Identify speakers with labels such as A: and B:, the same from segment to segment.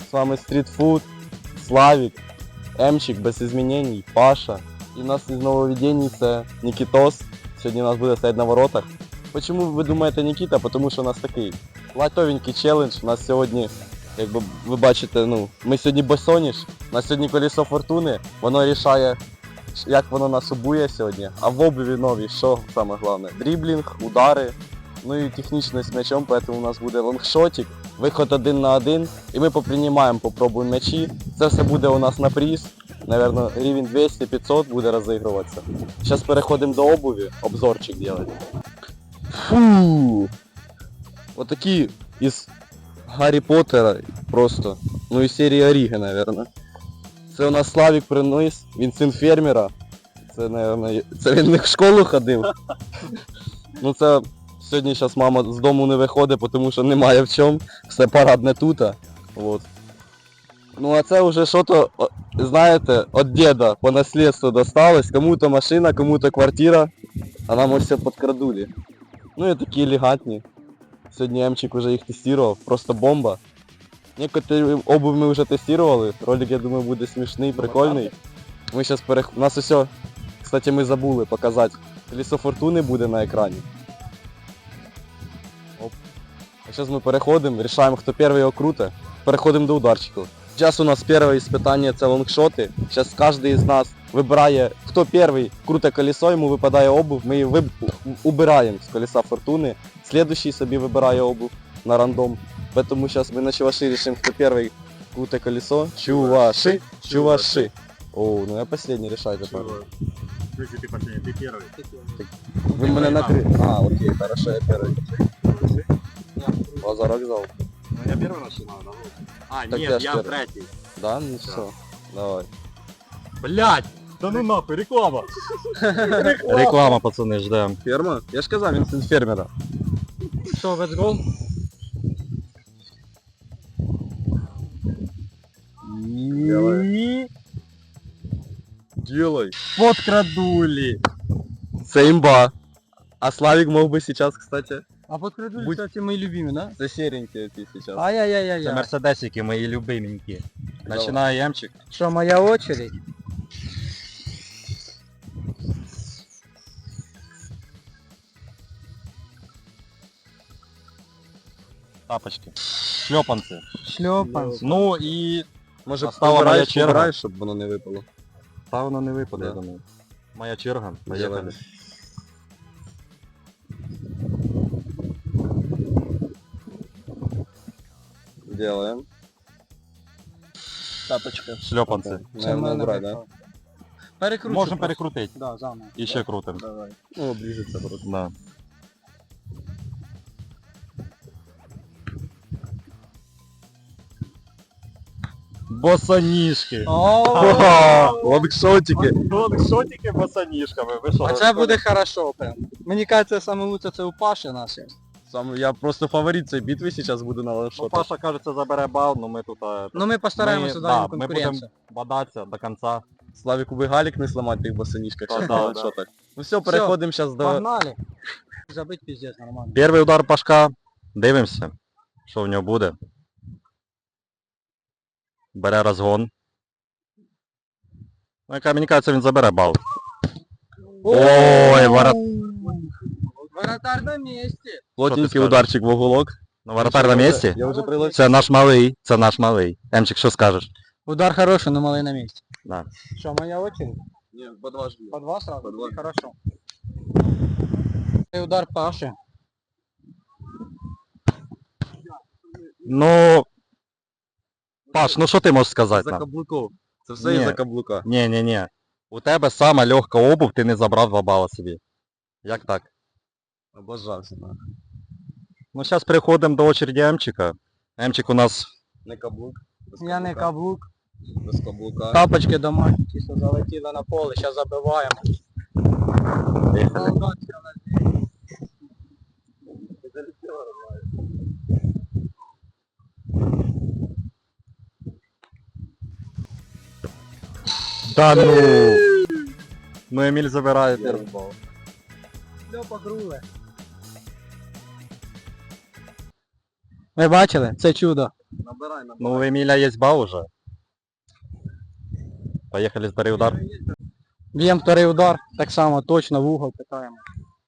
A: С вами Стритфуд, Славік, Емчик без изменений, Паша. І у нас із нововведений це Нікітос. Сьогодні у нас буде стоять на воротах. Чому ви думаєте Нікіта? Тому що у нас такий лайтовенький челендж. У нас сьогодні, як ви бачите, ми сьогодні босоніж. У нас сьогодні колесо фортуни. Воно рішає, як воно нас обує сьогодні. А в обуві нові, що саме головне? Дріблінг, удари. Ну і технічність з м'ячом, тому у нас буде лонгшотик, виход 1 на 1, і ми попробуємо м'ячі. Це все буде у нас на приз, наверное, рівень 200-500 буде розігруватися. Зараз переходимо до обуві, обзорчик робити. Фу! Отакі із Гаррі Поттера просто, ну і серії Оріги, наверное. Це у нас Славік приніс, він син фермера. Це, наверное, це він не в школу ходив. Ну це... Сьогодні зараз мама з дому не виходить, тому що немає в чому, все парадне тут. Вот. Ну а це вже що-то, знаєте, від діда по наслідству досталось. Кому-то машина, кому-то квартира, а нам ось все підкрадули. Ну і такі елегантні. Сьогодні Емчик вже їх тестував, просто бомба. Некоторі обувь ми вже тестували, ролик, я думаю, буде смішний, прикольний. Ми зараз у нас усе, кстати, ми забули показати. Колесо фортуни буде на екрані. А зараз ми переходимо, вирішуємо, хто перший його круте. Переходимо до ударчиків. Зараз у нас перше іспитання це лонгшоти. Зараз кожен з нас вибирає, хто перший круте колесо, йому випадає обув, ми її убираємо з колеса фортуни. Слідуючий собі вибирає обув на рандом. Тому зараз ми на чуваші рішимо, хто перший круте колесо. Чуваши, чуваши. О, ну я останній рішаю тепер.
B: Если ты последний, ты первый.
A: Ви мене накрили. А, окей, хорошо, я перший. Базар вокзал.
B: Ну я первый начинал, да? А,
A: Так я
B: нет,
A: ж
B: я
A: первый.
B: третий.
A: Да? Ну все, давай.
B: Блять! Да ну нахуй, реклама!
C: Реклама, пацани, ждем.
A: Ферма? Я ж казав, він син фермера.
C: Що, let's go?
A: Делай.
C: Подкрадули.
A: Це імба. А Славик мог бы сейчас, кстати,
C: А подкрадули,
A: Будь-
C: кстати, мої любимі, да?
A: це серенький ти сейчас.
C: А
A: Ну,
C: Це Ай-яй-яй-яй. мерседесики, мої любименькі. Починає Ямчик.
D: Що, моя очередь?
C: Тапочки. Шльопанці.
D: Шльопанці.
C: Ну і
A: Може
C: Настала моя
A: побираєш,
C: черга.
A: побираєш, щоб воно не випало.
C: та воно не випаде,
A: Да.
C: я думаю. Моя черга. Поїхали.
A: Делаем.
D: Тапочка.
C: Шльопанці.
A: Наверное, убрать, да?
D: Перекручу.
C: Можемо
D: просто.
C: перекрутити.
D: Да, заново.
C: І ще крутим.
D: Давай.
A: Ну, оближется просто.
C: Да. Босоніжки.
A: Лонгшотики.
C: Лонгшотики босоніжками. Ви що?
D: А це буде хорошо прям. Мені кажеться, саме лучше це у Паші наші.
A: Сам, я просто фаворит цієї битви сейчас буду на
C: Ну,
A: лонгшотах.
C: Паша, кажется, забере бал, но ми тут...
D: Ну ми постараємося дати
C: ми будемо
D: конкуренцію.
C: бодатися до кінця.
A: Славику би галік не сломати тих босонічках,
C: Да,
A: ще
C: да,
A: на лонгшотах. Ну все, переходимо зараз до...
D: Погнали. Забить пиздец, нормально.
C: Перший удар Пашка. Дивимося, що в нього буде. Бере розгон. Ну, яка мені кажеться, він забере бал. Ой,
D: Воротар на місці.
A: Плотненький
C: скажеш?
A: ударчик в уголок.
C: Ну, воротар на місці?
A: Я вже прилетів.
C: Це наш малий, це наш малий. Емчик, що скажеш?
D: Удар хороший, но малий на місці.
C: Да.
D: Що, моя очередь?
A: Ні, по два ж.
D: По два сразу?
A: По два.
D: Хорошо. І удар Паші.
C: Ну... Паш, ну що ти можеш сказати
A: За
C: нам?
A: каблуков. Це все
C: Ні.
A: із-за каблука.
C: Ні. У тебе сама легка обув, ти не забрав 2 бала собі. Як так?
A: Облажався, нахуй.
C: Ну, зараз переходимо до очереді Емчика. Емчик у нас...
A: Не каблук. Без
D: Я не каблук.
A: Без каблука.
D: Тапочки домашні, чисто залетіли на поле, зараз забиваємо. Солдат, все на землі.
C: Та ну! Ну, Еміль забирає перший бал.
D: Льопа груле. Ви бачили? Це чудо.
A: Набирай.
C: Ну, у Эмиля есть бал уже. Поехали, сбери удар.
D: Б'ємо вторий удар, так само точно в угол питаємо.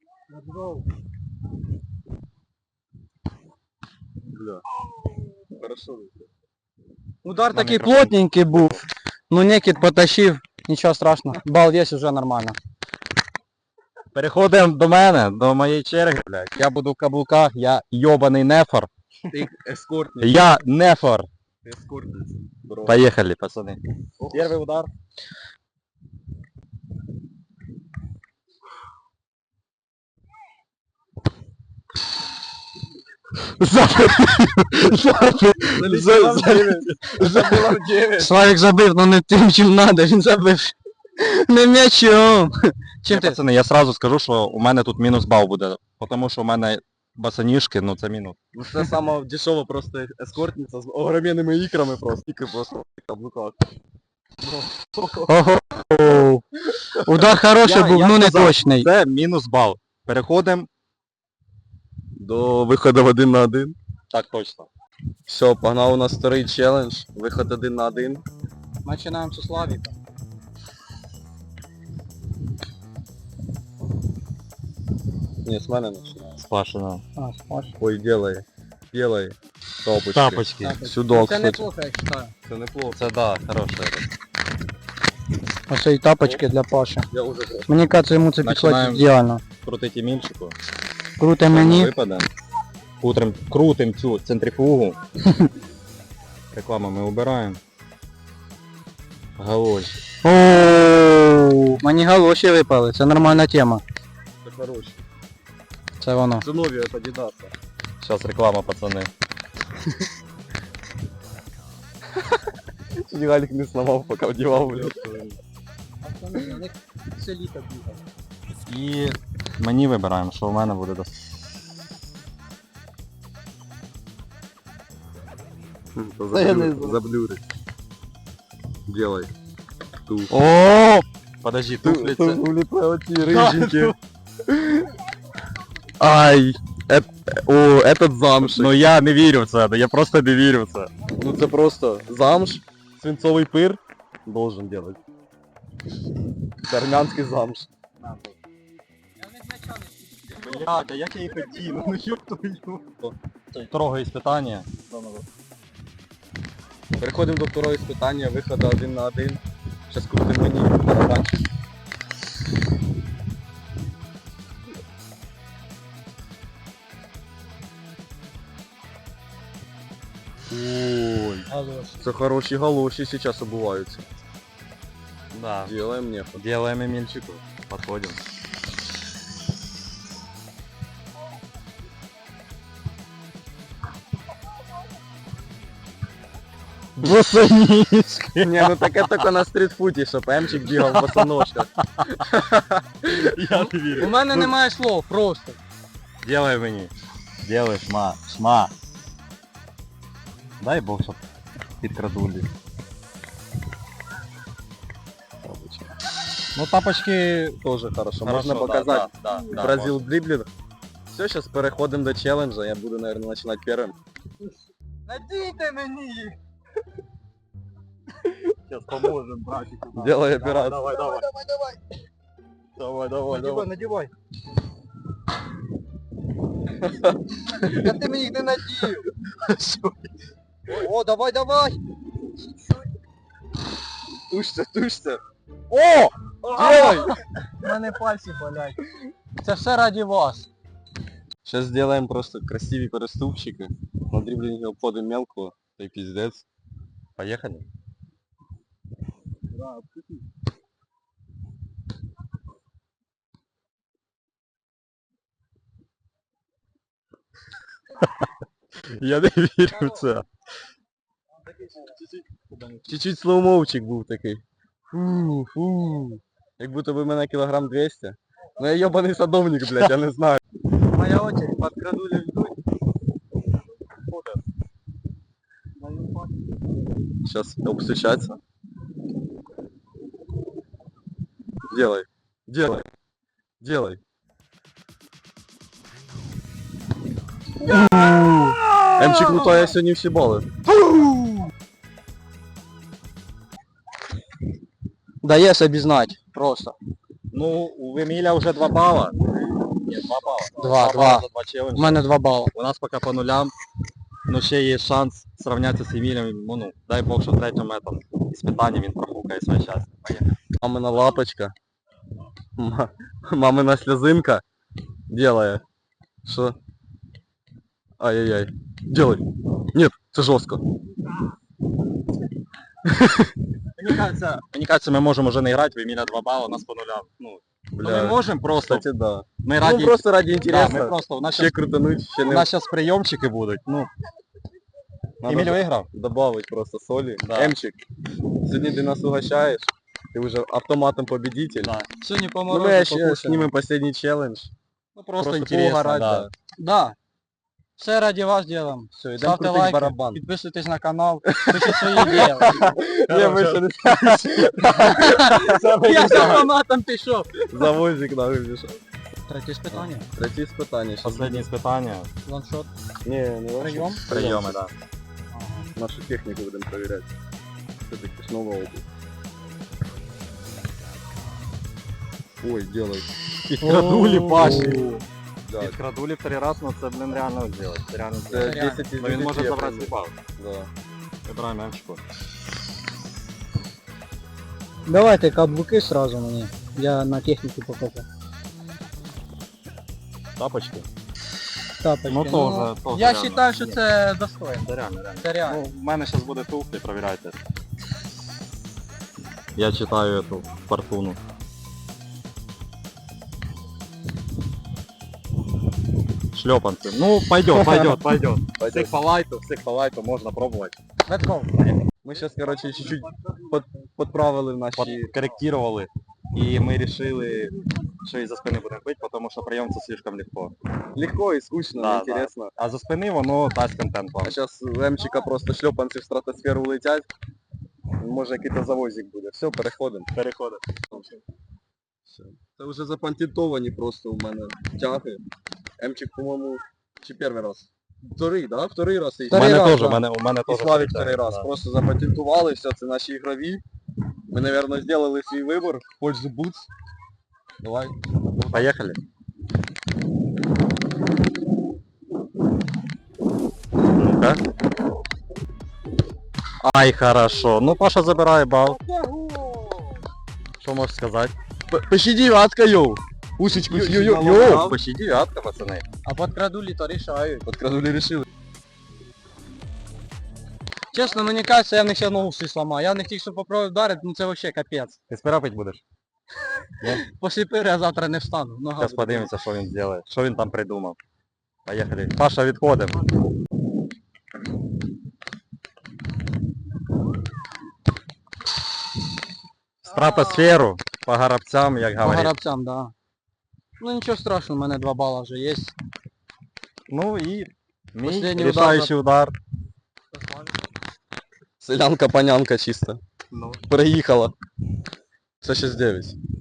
A: Бля. Хорошо.
D: Удар
C: На
D: такий
C: мікрофон.
D: плотненький був. Ну Некіт потащив, нічого страшного. Бал є вже нормально.
C: Переходимо до мене, до моєї черги, блядь. Я буду в каблуках, я йобаний нефор.
A: Ты эскортник.
C: Я нефор.
A: Ты эскортница. Бро.
C: Поехали, пацаны. Первый удар.
D: Славік забив, ну не тим, чим треба, він забив. Не м'ячом. Чим ти?
C: Пацани, я сразу скажу, що у мене тут мінус бал буде. Тому що у мене босоніжки, ну це мінус.
A: Ну це сама дешева просто ескортниця з огроменними ікрами просто. Іки просто в каблуках.
D: Ого. Удар хороший був,
C: я
D: ну не
C: сказав,
D: точний.
C: Це мінус бал. Переходимо.
A: До виходу 1 на 1.
C: Так точно.
A: Все, погнав у нас вторий челендж. Виход 1 на 1.
D: Починаємо з Славіка.
A: Ні, з мене починає.
C: Спашено.
D: А, Паш.
A: Ой, делай. Делай. Топочки.
C: Тапочки.
A: Судок,
D: Це
A: кстати.
D: неплохо, я вважаю.
A: Це неплохо.
C: Це да, хороше.
D: Оце і тапочки для Паші.
A: Я уже просто.
D: Мені кажеться, йому це підходить
C: Починаємо.
D: ідеально.
C: Крутить Емільчику.
D: Круте мені.
C: Випаде. Крутим цю центрифугу. Рекламу ми убираємо. Галоші.
D: Ооо, мені галоші випали, це нормальна тема.
A: Це хороше.
D: Це воно.
A: Це нові от Адідаса.
C: Зараз реклама, пацани.
A: Чуть Галік не сломав, поки вдівав, блядь.
D: Все літо бігає.
C: І мені вибираємо, що в мене буде до...
A: Та я не заблюрить. Делай. Ту.
C: О! Подожди, туфлі це...
A: Уліпли оці риженькі. Ай! О, этот замшик.
C: Ну я не вірю в це, я просто не вірю в це.
A: Ну це просто замш, свинцовий пир должен делать. Це армянський замш.
C: Блядь, а як я їх хотів? Ну ёб твою. Строгое испытание.
A: Переходимо до второго іспитання, виходу 1 на 1. Зараз крутим мені барабанчик. Ой, це хороші галоші зараз обуваються.
C: Да.
A: Делаем мне.
C: Делаем Эмильчику. Подходим.
A: Босоножки. Не, ну таке тільки на стрітфуті, щоб Емчик бігав в босоножках.
C: Я не вірю.
D: У мене немає слов, просто.
C: Делай мені. Делай, шма. Шма. Дай Бог, щоб підкрадулі. Ну тапочки
A: Тоже хорошо.
C: хорошо,
A: Можна
C: да,
A: показати.
C: да, да,
A: Бразил дриблинг. Все, сейчас переходим до челленджа. Я буду, наверное, начинать первым.
D: Надійте мені їх.
C: Сейчас поможем, братику.
A: Делай операцию.
C: Давай, давай.
A: Давай, давай, давай.
D: Надівай. Та ти мені їх не надів. О, давай, давай.
A: Тушься, тушься.
C: О!
A: Делай!
D: У мене пальці болять. Це все раді вас.
A: Сейчас сделаем просто красивые переступчики. На дриблинге обходим мелкого. И пиздец.
C: Поехали. Я не вірю в це.
A: Чуть-чуть слоумовчик був такий. Фу, фу. Як будто би мене кілограм 200. Ну я йобаний садовник, блядь, я не знаю.
D: Моя очередь, подкрадули ждуть.
A: Сейчас обстучаться. Делай. Делай. Делай. Емчик, ну то я сьогодні всі бали.
D: дає собі знати. Просто.
C: Ну, у Еміля вже 2 бала. Ні, 2 бала.
D: 2.
C: бала за 2
D: У
C: челенджі.
D: мене 2 бали.
C: У нас поки по нулям. Ну ще є шанс зрівнятися з Емілем. Ну, дай Бог, що в третьому этом іспитанні він профукає своє щастя. Поїхали.
A: Мамина лапочка. Мамина слезинка. Делая. Что? Ай-яй-яй. Делай. Нет, это жестко.
C: Мені кажется, ми можемо вже не грати, в Еміля 2 бали, у нас по нулям. Ну, ми можемо просто.
A: Кстати, да.
C: Ми раді...
A: Ну, просто ради
C: Да,
A: интереса.
C: ми просто, у нас
A: Ще
C: щас-
A: крутануть, ще
C: у
A: не...
C: нас зараз прийомчики будуть. Ну,
A: Надо
C: Еміль виграв.
A: добавить просто соли.
C: Да.
A: Эмчик, сегодня ты нас угощаешь. Ты уже автоматом победитель.
C: Да.
D: Сьогодні по
A: Ну,
D: морозу
A: мы еще
D: покушаємо.
A: снимем последний челлендж.
C: Ну, просто
A: Просто
C: інтересно,
A: поугарать,
C: да.
D: Да. Все раді вас делаем.
A: Все, идем
D: Ставте
A: крутить
D: лайки,
A: барабан.
D: підписуйтесь на канал, пишіть свої ідеї.
A: Не, мы еще
D: Я з автоматом пішов.
A: Завозик нам выбежал.
D: Третє питання.
A: Третье испытание. Сейчас
C: Останнє іспитання.
D: Ланшот.
A: Не, не
D: Прийом?
C: Прийоми, да.
A: Нашу технику будем проверять. Все-таки ж новая обувь. Ой, делай.
C: Підкрадулі Паші.
A: Да,
C: Підкрадулі в 3 раз, ну це, блин, реально зробити. Це реально
A: это
C: зробити.
A: 10 из
C: Ну він
A: 10
C: може
A: я
C: забрати
A: помню.
C: сліпав.
A: Да.
C: Вибираємо Емчику.
D: Давайте каблуки сразу мені. Я на техніку покажу.
C: Тапочки.
D: Тапочки.
C: Ну, тоже
D: Я
C: реально.
D: вважаю, що це достойно.
C: Це реально, реально.
D: Це реально.
C: Ну, в мене зараз буде туфлі, провіряйте. Я читаю эту фортуну. Шлепанцы. Ну, пойдет, пойдет, пойдет. Всех по лайту можно пробовать.
D: Let's go.
A: Мы сейчас, короче, чуть-чуть подправили в наші...
C: Подкорректировали. И мы решили, что из-за спины будем бить, потому что приемцы слишком легко.
A: Легко и скучно,
C: Да,
A: неинтересно.
C: А за спины воно дасть контент вам.
A: А сейчас у Емчика просто шлепанці в стратосферу летять. Може якийсь завозик буде. Все, переходимо.
C: Переходить.
A: Все. Це вже запатентовані просто у мене тяги. Емчик, по-моєму, чи перший раз? Вторий, да? Вторий раз і
C: У
D: Вторий
C: мене
D: раз,
C: теж,
D: да.
C: у мене
A: І
C: теж.
A: Славік
C: таке,
A: вторий раз.
C: да.
A: Просто запатентували, все, це наші ігрові. Ми, мабуть, зробили свій вибір в пользу Boots. Давай.
C: Поехали. Ну-ка. Ай, хорошо. Ну, Паша забирає бал. Що можеш сказати?
A: Почти девятка, йоу! Усечку
C: Йоу, почти дев'ятка, пацани.
D: А подкрадулі то рішають.
A: Подкрадули решили.
D: Чесно, мені кажеться, я в них ще ногу всі сломаю. Я в них тільки що попробую вдарити, ну це вообще капець.
C: Ти спирапить будеш?
D: Після пири я завтра не встану. Нога
C: Зараз
D: буде.
C: подивимося, що він зробить. Що він там придумав. Поїхали. Паша, відходимо. Стратосферу по горобцям, як
D: По
C: говорить.
D: горобцям, да. Ну нічого страшного, у мене 2 бала вже є.
C: Ну і мій
D: Последній
C: рішаючий удар.
A: Селянка-панянка чисто.
C: Ну.
A: Переїхала. Це 6-9.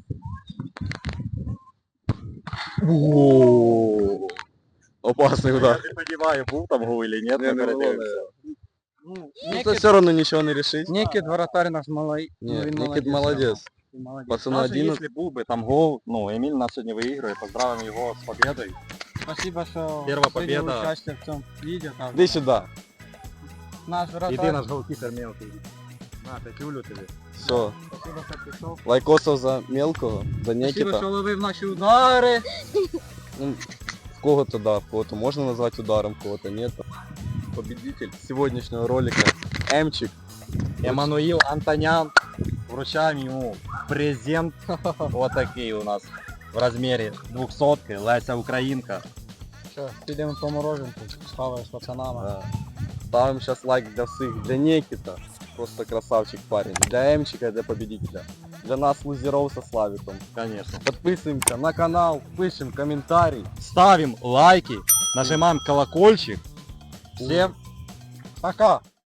A: О, опасний
C: Я
A: удар.
C: не розумію, був там гол или нет,
A: Не,
C: ми
A: не було,
C: передивимося.
D: Ну,
A: Ну, це все одно нічого не рішить.
D: Нікіт воротар наш малий.
A: Ні,
D: він
A: Нікіт молодець.
D: Він молодець.
A: Пацану
C: Даже
A: 11.
C: если був би там гол, ну, Еміль нас сьогодні виігрує, поздравимо його з победою.
D: Спасибо, що
C: Перша
D: прийняли
C: победа.
D: участь в цьому відео. так.
A: Іди сюди.
D: Наш
C: Іди
D: вратар.
C: наш голкіпер мелкий. На, п'ятюлю тобі.
A: Все.
D: Спасибо, що пішов.
A: Лайкосов за мелкого, за
D: Спасибо,
A: Нікіта.
D: що ловив наші удари.
A: Ну, в кого-то да, в кого-то можно назвать ударом, в кого-то нет. Победитель сегодняшнего ролика Эмчик.
C: Еммануїл Антонян. Вручаємо йому презент. Вот такий у нас в розмірі 200-ки. Леся Українка.
D: Що, підемо по мороженку, схаваю з пацанами.
A: Да. Ставим сейчас лайк для всех, для Никита. Просто красавчик парень. Для Эмчика, для победителя. Для нас, лузеров со Славиком.
C: Конечно.
A: Подписываемся на канал, пишем комментарий.
C: Ставим лайки, нажимаем колокольчик. Всем пока!